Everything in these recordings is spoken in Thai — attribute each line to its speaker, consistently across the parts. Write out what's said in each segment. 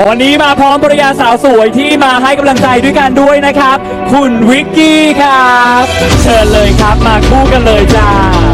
Speaker 1: วันนี้มาพร้อมภรรยาสาวสวยที่มาให้กำลังใจด้วยกันด้วยนะครับ คุณวิกกี้ครับ เชิญเลยครับมาคู่กันเลยจ้า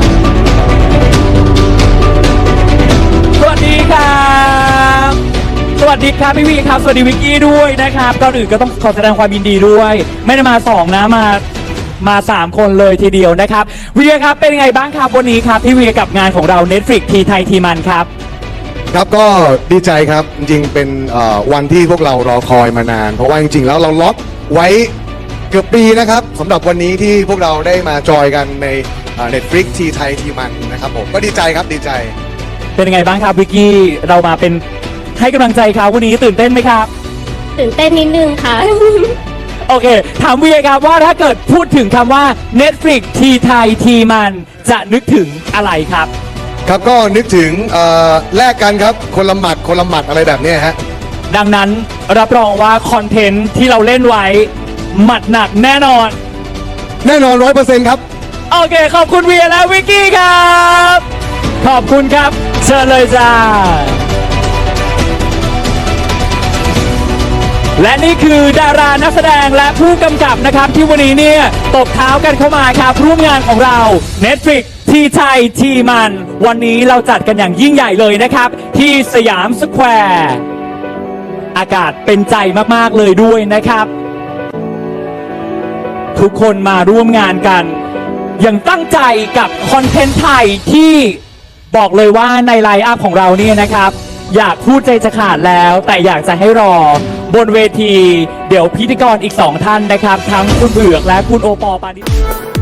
Speaker 1: สวัสดีครับสวัสดีครับพี่วีครับสวัสดีวิกกี้ด้วยนะครับก่อนอื่นก็ต้องขอแสดงความยินดีด้วยไม่ได้มา2นะมา3คนเลยทีเดียวนะครับวีครับเป็นไงบ้างครับวันนี้ครับพี่วีกับงานของเรา Netflix ทีไทยทีมันครับ
Speaker 2: ครับก็ดีใจครับจริงๆเป็นวันที่พวกเรารอคอยมานานเพราะว่าจริงๆแล้วเราล็อกไว้เกือบปีนะครับสำหรับวันนี้ที่พวกเราได้มาจอยกันใน Netflix ทีไทยทีมันนะครับผมก็ดีใจครับดีใจ
Speaker 1: เป็นยังไงบ้างครับวิกกี้เรามาเป็นให้กำลังใจเขาวันนี้ตื่นเต้นไหมครับ
Speaker 3: ตื่นเต้นนิดนึงค่ะ
Speaker 1: โอเคถามวีครับว่าถ้าเกิดพูดถึงคำว่า Netflix ทีไทยทีมันจะนึกถึงอะไรครับ
Speaker 2: ครับก็นึกถึงแลกกันครับคนละหมัดอะไรแบบนี้ฮะ
Speaker 1: ดังนั้นรับรองว่าคอนเทนต์ที่เราเล่นไว้หมัดหนักแน่นอน
Speaker 2: 100%ครับ
Speaker 1: โอเคขอบคุณวีและวิกกี้ครับขอบคุณครับเชิญเลยจ้าและนี่คือดารานักแสดงและผู้กำกับนะครับที่วันนี้เนี่ยตบเท้ากันเข้ามาครับร่วมงานของเรา Netflix ทีไทยทีมันวันนี้เราจัดกันอย่างยิ่งใหญ่เลยนะครับที่สยามสแควร์อากาศเป็นใจมากๆเลยด้วยนะครับทุกคนมาร่วมงานกันอย่างตั้งใจกับคอนเทนต์ไทยที่บอกเลยว่าในไลน์อัพของเราเนี่ยนะครับอยากพูดใจจะขาดแล้วแต่อยากจะให้รอบนเวทีเดี๋ยวพิธีกรอีก2ท่านนะครับทั้งคุณเบือกและคุณโอปอปานิ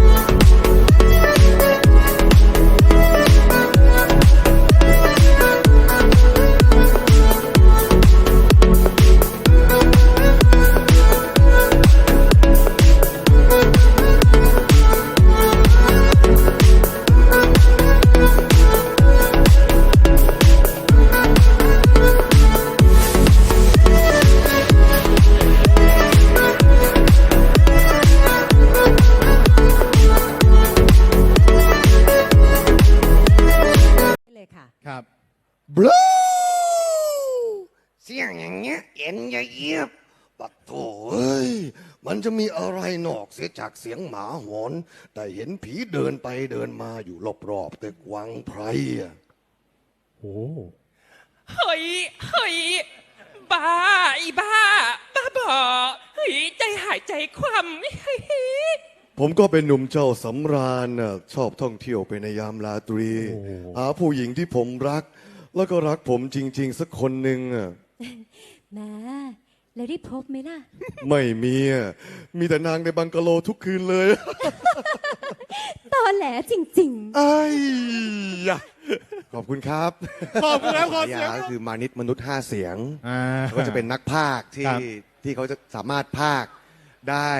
Speaker 2: ครับบลูเสียงอย่างเงี้ยเอ็นเยียบปัดโถเอ้ยมันจะมีอะไรนอกเสียจากเสียงหมาหอนแต่เห็นผีเดินไปเดินมาอยู่รอบๆตึกวังไพรอ่ะ
Speaker 1: โอ้
Speaker 4: เฮ้ยบ้าบ้าบอเฮ้ยใจหายใจคว่ำ
Speaker 2: ผมก็เป็นหนุ่มเจ้าสำราญน่ะชอบท่องเที่ยวไปในยามราตรีหาผู้หญิงที่ผมรักแล้วก็รักผมจริงๆสักคนหนึ่งอ่ะ
Speaker 3: มาแล้วได้พบไหมล่ะ
Speaker 2: ไม่มีมีแต่นางในบังกะโลทุกคืนเลย
Speaker 3: ตอแหลจริง
Speaker 2: ๆไอ้ยะขอบคุณครับ
Speaker 1: ขอบคุณครับขอเสียง
Speaker 2: ก็คือมานิดมนุษย์5เสียงก็จะเป็นนักพากย์ที่เขาจะสามารถพากย์ได้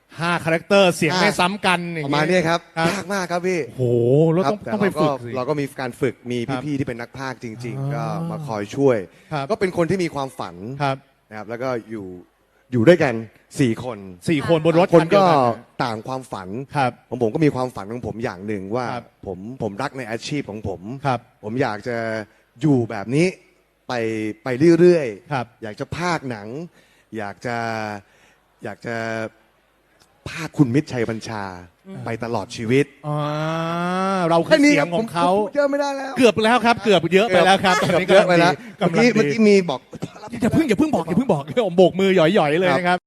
Speaker 5: 5 คาแรคเตอร์เสียงไม่ซ้ำกัน
Speaker 2: ประมาณนี้ครับยากมากครับพี่
Speaker 5: โหแล้วต้องไปฝึก
Speaker 2: เราก็มีการฝึกมีพี่ๆที่เป็นนักพากย์จริงๆก็มาคอยช่วยก็เป็นคนที่มีความฝันนะครับแล้วก็อยู่ด้วยกัน4 คน
Speaker 5: บนรถ
Speaker 2: คนก็ต่างความฝันผมก็มีความฝันของผมอย่างหนึ่งว่าผมรักในอาชีพของผมอยากจะอยู่แบบนี้ไปเรื่อยๆอยากจะพากย์หนังอยากจะภาคคุณมิตรชัยบัญชาไปตลอดชีวิต
Speaker 5: เราคือเสียงของเขา
Speaker 2: เยอะไม่ได้แล้ว
Speaker 5: เกือบแล้วครับเกือบเยอะไปแล้วครับ
Speaker 2: เยอะไปแล้วเมื่อกี้มีบอก
Speaker 5: อย่าเพิ่งบอกโบกมือหย่อยๆเลยนะครับ